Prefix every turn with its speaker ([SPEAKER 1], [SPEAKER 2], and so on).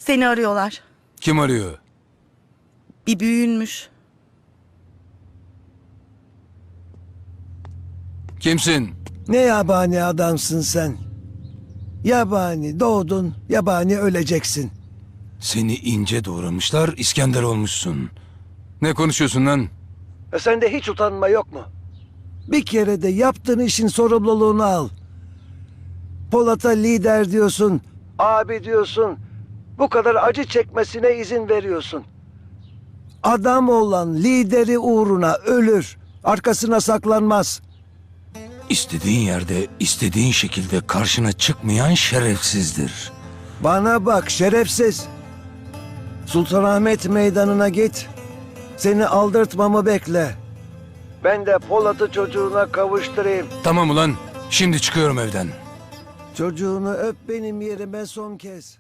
[SPEAKER 1] Seni arıyorlar.
[SPEAKER 2] Kim arıyor?
[SPEAKER 1] Bir büyüğünmüş.
[SPEAKER 2] Kimsin?
[SPEAKER 3] Ne yabani adamsın sen. Yabani doğdun, yabani öleceksin.
[SPEAKER 2] Seni ince doğramışlar, İskender olmuşsun. Ne konuşuyorsun lan?
[SPEAKER 3] Sende hiç utanma yok mu? Bir kere de yaptığın işin sorumluluğunu al. Polat'a lider diyorsun, abi diyorsun. Bu kadar acı çekmesine izin veriyorsun. Adam olan lideri uğruna ölür, arkasına saklanmaz.
[SPEAKER 2] İstediğin yerde, istediğin şekilde karşına çıkmayan şerefsizdir.
[SPEAKER 3] Bana bak şerefsiz. Sultanahmet meydanına git. Seni aldırtmamı bekle. Ben de Polat'ı çocuğuna kavuşturayım.
[SPEAKER 2] Tamam ulan, şimdi çıkıyorum evden.
[SPEAKER 3] Çocuğunu öp benim yerime son kez.